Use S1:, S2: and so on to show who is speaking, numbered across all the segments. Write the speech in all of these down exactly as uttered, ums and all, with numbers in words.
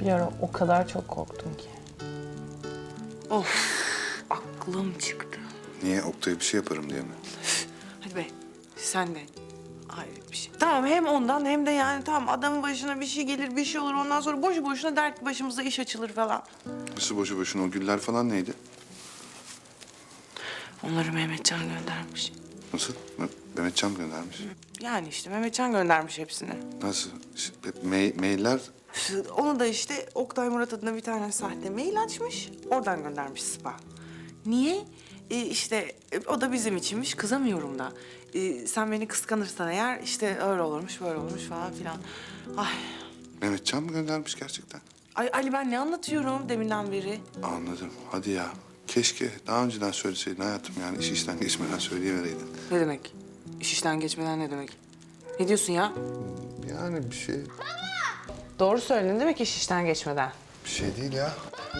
S1: Bir ara o kadar çok korktum ki.
S2: Of, aklım çıktı.
S3: Niye? Oktay'a bir şey yaparım diye mi?
S2: Hadi be, sen de. Hayret bir şey. Tamam, hem ondan hem de yani tamam adamın başına bir şey gelir, bir şey olur. Ondan sonra boşu boşuna dert başımıza iş açılır falan.
S3: Nasıl boşu boşuna o güller falan neydi?
S2: Onları Mehmetcan göndermiş.
S3: Nasıl? Me- Mehmetcan mı göndermiş?
S2: Yani işte Mehmetcan göndermiş hepsini.
S3: Nasıl? İşte me- mailler...
S2: Onu da işte Oktay Murat adına bir tane sahte mail açmış. Oradan göndermiş Spa. Niye? Ee, işte e, o da bizim içinmiş. Kızamıyorum da. Ee, sen beni kıskanırsan eğer işte öyle olurmuş, böyle olurmuş falan filan. Ay.
S3: Mehmetcan mı göndermiş gerçekten?
S2: Ay Ali ben ne anlatıyorum deminden beri?
S3: Anladım. Hadi ya. Keşke daha önceden söyleseydin hayatım yani iş işten geçmeden söyleyivereydin.
S2: Ne demek? İş işten geçmeden ne demek? Ne diyorsun ya?
S3: Yani bir şey...
S2: Doğru söyledin değil mi ki iş işten geçmeden?
S3: Bir şey değil ya.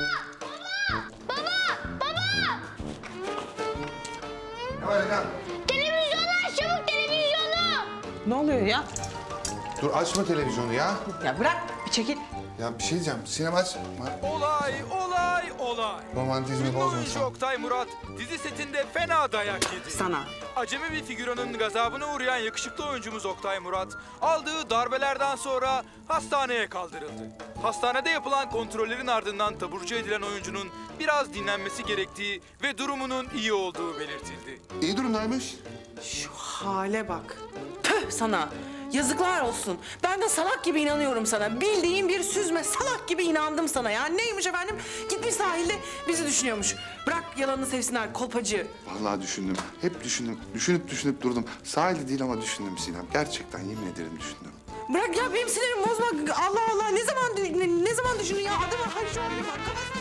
S3: Ne var lan?
S4: Televizyonu aç çabuk televizyonu.
S2: Ne oluyor ya?
S3: Dur açma televizyonu ya.
S2: Ya bırak bir çekil.
S3: Ya bir şey diyeceğim. Sinema aç.
S5: Olay, olay, olay.
S3: Romantizmi
S5: Ünlü oyuncu
S3: bozmasan.
S5: Oktay Murat dizi setinde fena dayak yedi.
S2: Sana.
S5: Acemi bir figüranın gazabına uğrayan yakışıklı oyuncumuz Oktay Murat aldığı darbelerden sonra hastaneye kaldırıldı. Hastanede yapılan kontrollerin ardından taburcu edilen oyuncunun biraz dinlenmesi gerektiği ve durumunun iyi olduğu belirtildi.
S3: İyi durumdaymış.
S2: Şu hale bak. Tüh sana. Yazıklar olsun. Ben de salak gibi inanıyorum sana. Bildiğin bir süzme salak gibi inandım sana ya. Neymiş efendim? Gitmiş sahilde bizi düşünüyormuş. Bırak yalanını sevsinler kolpacı.
S3: Vallahi düşündüm. Hep düşündüm. Düşünüp düşünüp durdum. Sahilde değil ama düşündüm Sinem. Gerçekten yemin ederim düşündüm.
S2: Bırak ya benim sinirimi bozma. Allah Allah ne zaman ne, ne zaman düşündün ya? Adamın hayır şu an kafasına